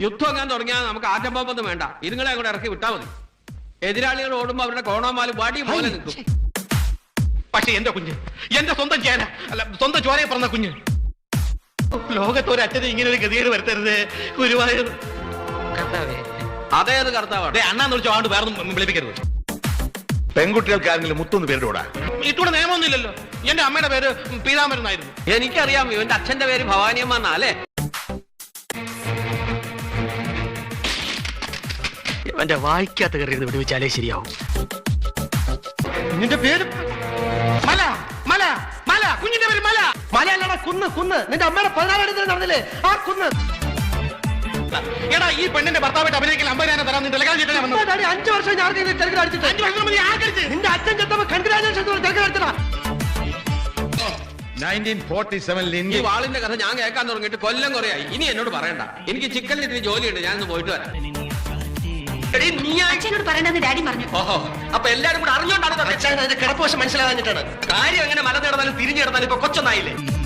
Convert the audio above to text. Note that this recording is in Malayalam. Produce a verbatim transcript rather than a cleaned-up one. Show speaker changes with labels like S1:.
S1: യുദ്ധം എങ്ങാൻ തുടങ്ങിയാൽ നമുക്ക് ആറ്റംബൊന്നും വേണ്ട, ഇതുങ്ങളെ അങ്ങോട്ട് ഇറക്കി വിട്ടാൽ മതി. എതിരാളികൾ ഓടുമ്പോ അവരുടെ കോണോമാലും വടി പോലെ നിൽക്കും.
S2: പക്ഷെ എന്റെ കുഞ്ഞ്, എന്റെ സ്വന്തം ചേന അല്ല സ്വന്തം ചോരയെ പറഞ്ഞ കുഞ്ഞ്, ലോകത്തൊരച്ഛനെ ഇങ്ങനെ ഒരു ഗതികേട് വരുത്തരുത് ഗുരുവായൂർ.
S1: അതേത് കർത്താവാണ്?
S2: അണ്ണാന്ന് വിളിച്ചോ ആണ്ട് വേറെ വിളിപ്പിക്കരുത്.
S3: പെൺകുട്ടികൾക്ക് ആരെങ്കിലും മുത്തൊന്ന് പേരിടൂടാ.
S2: ഇട്ടൂടെ നിയമമൊന്നും ഇല്ലല്ലോ. എന്റെ അമ്മയുടെ പേര് പീതാംബരൻ എന്നായിരുന്നു.
S1: എനിക്കറിയാം, ഇവന്റെ അച്ഛന്റെ പേര് ഭവാനിയമ്മ എന്നാലേ.
S4: എന്റെ വായിക്കാത്ത കയറി വിടുവിച്ചാലേ ശരിയാവും.
S2: നിന്റെ പേര് മല മല മല കുഞ്ഞിന്റെ പേര് മല.
S4: മലയല്ലടാ കുന്ന് കുന്ന്. നിന്റെ അമ്മയുടെ പതിനാലാം തീയതി നടന്നില്ലേ ആ കുന്ന്.
S2: എടാ ഈ പെണ്ണിന്റെ ഭർത്താവായിട്ട് അഭിനയിക്കാൻ അമ്പതിനായിരം തരാം. നിന്റെ
S4: അഞ്ചു വർഷം ഞാൻ തിരക്കിൽ അടിച്ചിട്ട് നിന്റെ അച്ഛൻ ചെത്തപ്പോ കൺഗ്രാജുലേഷൻ തിരക്കിൽ അടിച്ചതാ.
S3: നയൻറ്റീൻ ഫോർട്ടി സെവനിൽ
S1: ഈ
S3: ഇന്ത്യ
S1: വാളിന്റെ കഥ ഞാൻ കേൾക്കാൻ തുടങ്ങിയിട്ട് കൊല്ലം കുറയായി. ഇനി എന്നോട് പറയണ്ട, എനിക്ക് ചിക്കനിൽ ഇത്തിരി ജോലിയുണ്ട്, ഞാനൊന്ന് പോയിട്ട് വരാം.
S5: അച്ഛനോട് പറയണ്ടെന്ന് ഡാഡി പറഞ്ഞു.
S1: ഓഹോ, അപ്പൊ എല്ലാരും കൂടെ അറിഞ്ഞോണ്ടാണ്
S4: അച്ഛൻ അതിന്റെ കിടപ്പ് വശം മനസ്സിലാകാഞ്ഞിട്ടാണ്.
S1: കാര്യം എങ്ങനെ മല നേടുന്നാലും തിരിഞ്ഞു കിടന്നാലും ഇപ്പൊ കൊച്ചൊന്നായില്ലേ.